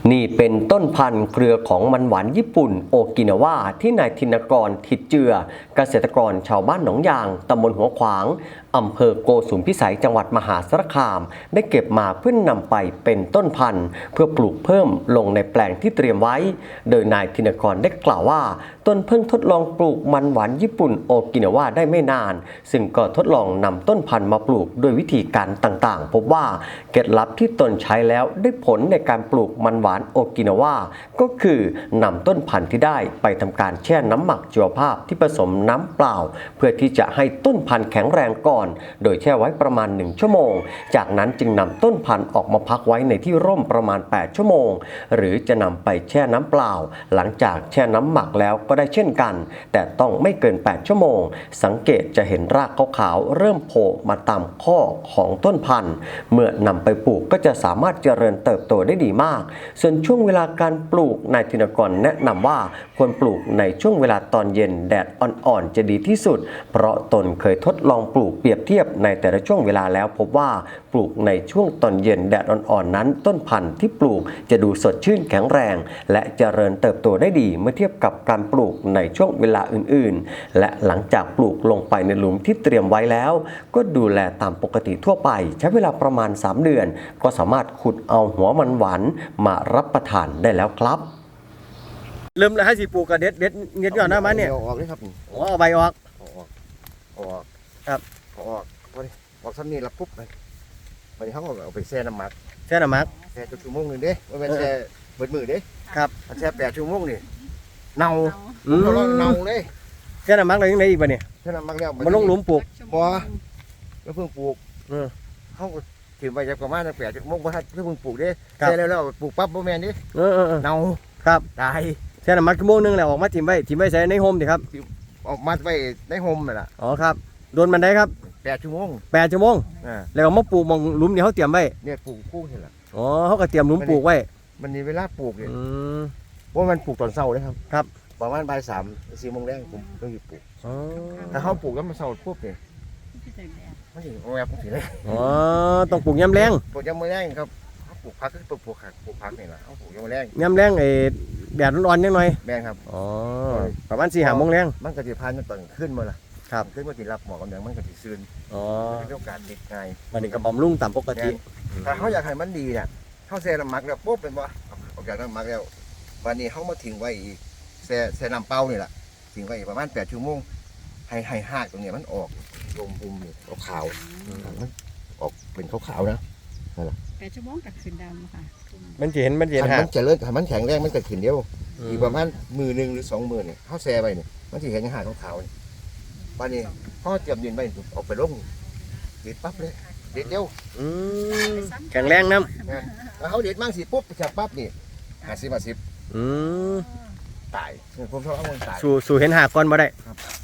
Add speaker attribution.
Speaker 1: นี่เป็นต้นพันธุ์เครือของมันหวานญี่ปุ่นโอกินาวาที่นายธินกรถิดเจือเกษตรกรชาวบ้านหนองยางตำบลหัวขวางอำเภอโกสุมพิสัยจังหวัดมหาสารคามได้เก็บมาเพื่อนนำไปเป็นต้นพันธุ์เพื่อปลูกเพิ่มลงในแปลงที่เตรียมไว้โดยนายธินกรได้กล่าวว่าตนเพิ่งทดลองปลูกมันหวานญี่ปุ่นโอกินาวาได้ไม่นานซึ่งก็ทดลองนำต้นพันธุ์มาปลูกโดยวิธีการต่างๆพบว่าเคล็ดลับที่ตนใช้แล้วได้ผลในการปลูกมันหวานโอกินาวาก็คือนำต้นพันธุ์ที่ได้ไปทำการแช่น้ำหมักชีวภาพที่ผสมน้ำเปล่าเพื่อที่จะให้ต้นพันธุ์แข็งแรงก่อนโดยแช่ไว้ประมาณ1ชั่วโมงจากนั้นจึงนำต้นพันธุ์ออกมาพักไว้ในที่ร่มประมาณ8ชั่วโมงหรือจะนำไปแช่น้ำเปล่าหลังจากแช่น้ำหมักแล้วก็ได้เช่นกันแต่ต้องไม่เกิน8ชั่วโมงสังเกตจะเห็นรากขาวๆเริ่มโผล่มาตามข้อของต้นพันธุ์เมื่อนำไปปลูกก็จะสามารถเจริญเติบโตได้ดีมากส่วนช่วงเวลาการปลูกนายธินกรแนะนำว่าควรปลูกในช่วงเวลาตอนเย็นแดดอ่อนๆจะดีที่สุดเพราะตนเคยทดลองปลูกเปรียบเทียบในแต่ละช่วงเวลาแล้วพบว่าปลูกในช่วงตอนเย็นแดดอ่อนๆนั้นต้นพันธุ์ที่ปลูกจะดูสดชื่นแข็งแรงและเจริญเติบโตได้ดีเมื่อเทียบกับการปลูกในช่วงเวลาอื่นๆและหลังจากปลูกลงไปในหลุมที่เตรียมไว้แล้วก็ดูแลตามปกติทั่วไปใช้เวลาประมาณ3 เดือนก็สามารถขุดเอาหัวมันหวานมารับประทานได้แล้วครับเริ่มแล้วให้สิปลูกกับเด็ดก่อนนะมันเนี่ย
Speaker 2: ออกเลยครับ
Speaker 1: เอาใบออก
Speaker 2: ออก
Speaker 1: ครับ
Speaker 2: ออกซ้ำนี่ละปุ๊บเลยวันนี้เขาเอาไปแช่น้ำหมัก
Speaker 1: แช่น้ำหมัก
Speaker 2: แช่ชั่วโมงหนึ่งเด้ไม่เป็นแช่เบิดมือเด้
Speaker 1: ครับ
Speaker 2: แช่8 ชั่วโมงนี่เน่าเราเน่าเลย
Speaker 1: แช่น้ำหมักเลยยังไงอีกป่ะเนี่ย
Speaker 2: แช่น้ำหมักแล้ว
Speaker 1: มันลงหลุมปลูก
Speaker 2: บ่แล้วเพิ่งปลูกเขาก็ถิ่มไปจากประมาณ8 ชั่วโมงเพราะถ้าเพิ่งปลูกเด้แช่แล้วปลูกปั๊บบ่แม่นดิเน่า
Speaker 1: ครับ
Speaker 2: ตาย
Speaker 1: แช่น้ำหมักชั่วโมงนึงแล้วออกมาถิ่มไว้ใส่ในโฮมดิครับ
Speaker 2: ออกมาไว้ในโฮมนั่นแหละ
Speaker 1: อ๋อครับโดนมันได้ครับ
Speaker 2: 8 ชั่วโมง
Speaker 1: แล้วมาปลูกมองหลุมที่เขาเตรียมไว้
Speaker 2: เนี่ยปลูกคู่นี่แหละ
Speaker 1: อ๋อเขาก็เตรียมหลุมปลูกไว้
Speaker 2: มันมีเวลาปลูกเนี่ยเพราะมันปลูกตอนเช้าเลยครับ
Speaker 1: ครับ
Speaker 2: ประมาณบ่าย3 4 โมงแรกผมต้องหยุดปลูกถ้าเขาปลูกแล้วมันเช้าปุ๊บเนี่ยไม่ถึงแอบถึงเลย
Speaker 1: อ๋อต้องปลูกยามแรง
Speaker 2: ปลูกยามแรงครับเขาปลูกพักก็ปลูกพักนี่แหละเขาปลูกยามแรง
Speaker 1: แดดร้อนๆนิดหน่อย
Speaker 2: แรงครับ
Speaker 1: อ๋อประมาณ4-5 โมงแรง
Speaker 2: มันก็จะพันตอนขึ้นมาละ
Speaker 1: ครับ
Speaker 2: ขึ้นมาที่รับหมอกกำลังมันก็จะซึน
Speaker 1: อ๋อ
Speaker 2: เป็นโอกาสติดง่าย
Speaker 1: มันนี่ก็บำรุงตามปกติ
Speaker 2: ถ้าเขาอยากให้มันดีเนี่ยเขาแช่น้ำหมักแล้วปุ๊บเป็นว่าออกจากน้ำหมักแล้ววันนี้เขามาทิ้งไว้อีกแช่น้ำเปล่านี่แหละทิ้งไว้ประมาณ8 ชั่วโมงให้หากตรงนี้มันออกลมปุ่มนี่ขาวมันออกเป็นขาวๆนะ
Speaker 3: 8 ชั่วโมงกับคืนดำค่ะ
Speaker 1: มันจะเห็น
Speaker 2: มันจะเลิศมันแข็งแรงมันเกิดขึ้นเดียวอีกประมาณมือ1 หรือ 2 มือเนี่ยเขาแช่ไปเนี่ยมันจะเห็นหากขาวๆวันนี้เขาเตรียมดินไปออกไปลงเด็ดปั๊บเลยเด็ดเดียว
Speaker 1: แข็งแรงน้
Speaker 2: ำแล้วเขาเด็ดมั่งสิปุ๊บจับปั๊บนี่50 ตายผมชอบเอาเงินตาย
Speaker 1: สู่เห็นหากก่อนมาได้